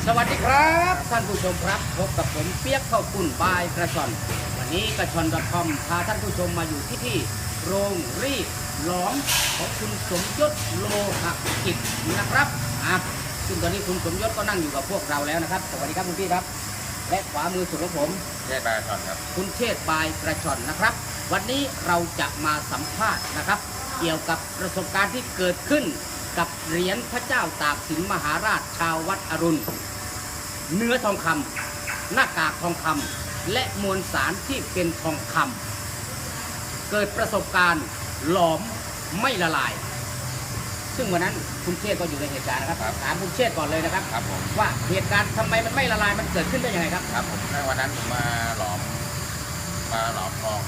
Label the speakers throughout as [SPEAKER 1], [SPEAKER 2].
[SPEAKER 1] สวัสดีครับท่านผู้ชมครับพบกับผมเปียกข้าวปุ้นบายกระชอนวันนี้กระชอน .com พาท่านผู้ชมมาอยู่ที่โรงรีดหลอมของคุณสมยศโลหะกิจนะครับซึ่งตอนนี้คุณสมยศก็นั่งอยู่กับพวกเราแล้วนะครับสวัสดีครับคุณพี่ครับและขวามือสุดของผม
[SPEAKER 2] เชษฐ์บายกระชอนครับ
[SPEAKER 1] คุณเชษฐ์บายกระชอนนะครับวันนี้เราจะมาสัมภาษณ์นะครับเกี่ยวกับประสบการณ์ที่เกิดขึ้นกับเหรียญพระเจ้าตากสินมหาราชชาววัดอรุณเนื้อทองคำหน้ากากทองคำและมวลสารที่เป็นทองคำเกิดประสบการณ์หลอมไม่ละลายซึ่งวันนั้นคุณเชษฐ์ก็อยู่ในเหตุการณ์นะครับถามคุณเชษฐ์ก่อนเลยนะครับว่าเหตุการณ์ทำไมมันไม่ละลายมันเกิดขึ้นได้ยังไงครับ
[SPEAKER 2] ครับผมในวันนั้นผมมาหลอมทอง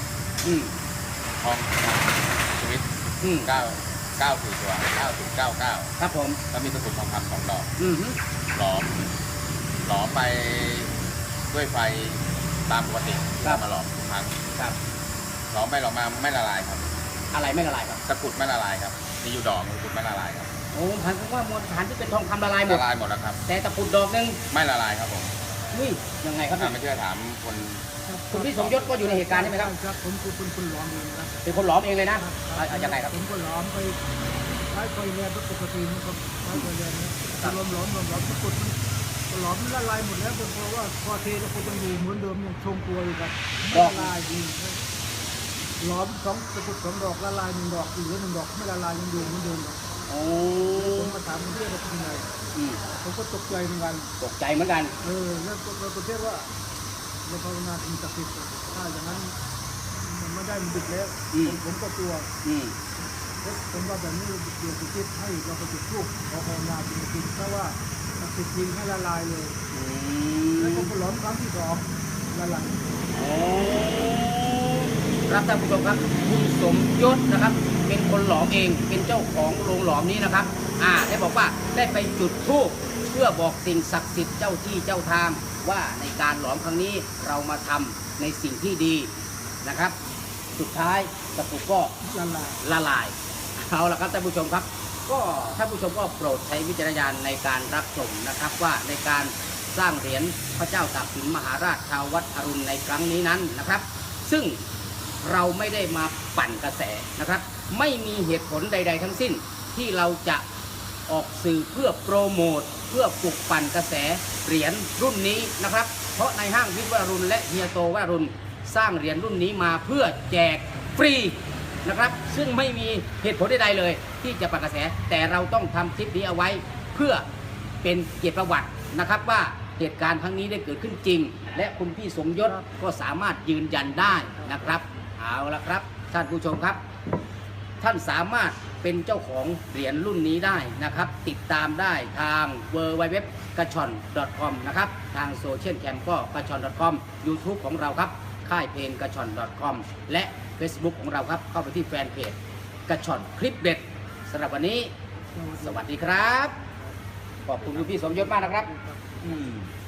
[SPEAKER 2] ชีวิต9 ตัว9099
[SPEAKER 1] ครับผม
[SPEAKER 2] แล้วมีตะกรุดทองคำ2 ดอกหลอมไปด้วยไฟตามปกติมาหลอมทุกครั้ง
[SPEAKER 1] ครับ
[SPEAKER 2] หลอมไปหลอมมาไม่ละลายครับ
[SPEAKER 1] อะไรไม่ละลายครับ
[SPEAKER 2] ตะกรุดไม่ละลายครับมีอยู่ดอกตะกรุดไม่ละลายครับ
[SPEAKER 1] โอ้พันธุ์ว่ามวลสารที่เป็นทองคำละลายหมด
[SPEAKER 2] แล้วครับ
[SPEAKER 1] แต่ตะกรุดดอกนึง
[SPEAKER 2] ไม่ละลายครับผม
[SPEAKER 1] นี่ยังไงครับ
[SPEAKER 2] ไม่เชื่อถาม
[SPEAKER 1] คุณพี่สมยศก็อยู่ในเหตุการณ์ใช่ไหมครับ
[SPEAKER 3] ครับผมเป็นคนหลอมเองครับ
[SPEAKER 1] เป็นคนหลอมเองเลยนะยังไงครับ
[SPEAKER 3] ผมก็หลอมไปใช้ไฟแรงปกติมันก็ใช้ไฟแรงนะหลอมตะกรุดหลอมละลายหมดแล้วเพราะว่าพอเทแล้วก็ยังอยู่เหมือนเดิมยังทรงตัวอยู่ครับละลายดีหลอมตะกรุด2 ดอกละลาย1 ดอกเหลือ1 ดอกไม่ละลายยังอยู่เหมือนเดิมครับ
[SPEAKER 1] โอ้
[SPEAKER 3] ผมมาถามคุณเทพว่าเป็นไงผมก็ตกใจเหมือนกันแล้วคุณเทพว่าเราภาวนาถึงศักดิ์สิทธิ์ถ้าอย่างนั้นมันไม่ได้มันดึกแล้วผมก็กลัวผมว่าแบบนี้เดี๋ยวจะคิดให้เราไปจุดธูปขอภาวนาจริงๆเพราะว่าศักดิ์สิทธิ์จริงให้ละลายเลยแล้วก็หลอมครั้งที่2ละลาย
[SPEAKER 1] ครับท่านผู้ชมครับคุณสมยศนะครับเป็นคนหลอมเองเป็นเจ้าของโรงหลอมนี้นะครับได้บอกว่าได้ไปจุดธูปเพื่อบอกสิ่งศักดิ์สิทธิ์เจ้าที่เจ้าทางว่าในการหลอมครั้งนี้เรามาทำในสิ่งที่ดีนะครับสุดท้ายตะกรุดก็ละลายเอาละครับท่านผู้ชมครับก็ท่านผู้ชมก็โปรดใช้วิจารณญาณในการรับชมนะครับว่าในการสร้างเหรียญพระเจ้าตากสินมหาราชชาววัดอรุณในครั้งนี้นั้นนะครับซึ่งเราไม่ได้มาปั่นกระแสนะครับไม่มีเหตุผลใดๆทั้งสิ้นที่เราจะออกสื่อเพื่อโปรโมทเพื่อปลุกปั่นกระแสเหรียญรุ่นนี้นะครับเพราะในห้างวิทย์วรุณและเฮียโตวรุณสร้างเหรียญรุ่นนี้มาเพื่อแจกฟรีนะครับซึ่งไม่มีเหตุผลใดๆเลยที่จะปั่นกระแสแต่เราต้องทำคลิปนี้เอาไว้เพื่อเป็นเกียรติประวัตินะครับว่าเหตุการณ์ครั้งนี้ได้เกิดขึ้นจริงและคุณพี่สมยศก็สามารถยืนยันได้นะครับเอาละครับท่านผู้ชมครับท่านสามารถเป็นเจ้าของเหรียญรุ่นนี้ได้นะครับติดตามได้ทาง www กระชอน .com นะครับทางโซเชียลแคมก็กระชอน .com YouTube ของเราครับค่ายเพลงกระชอน .com และ Facebook ของเราครับเข้าไปที่แฟนเพจกระชอนคลิปเด็ดสำหรับวันนี้สวัสดีครับขอบคุณคุณพี่สมยศมากนะครับ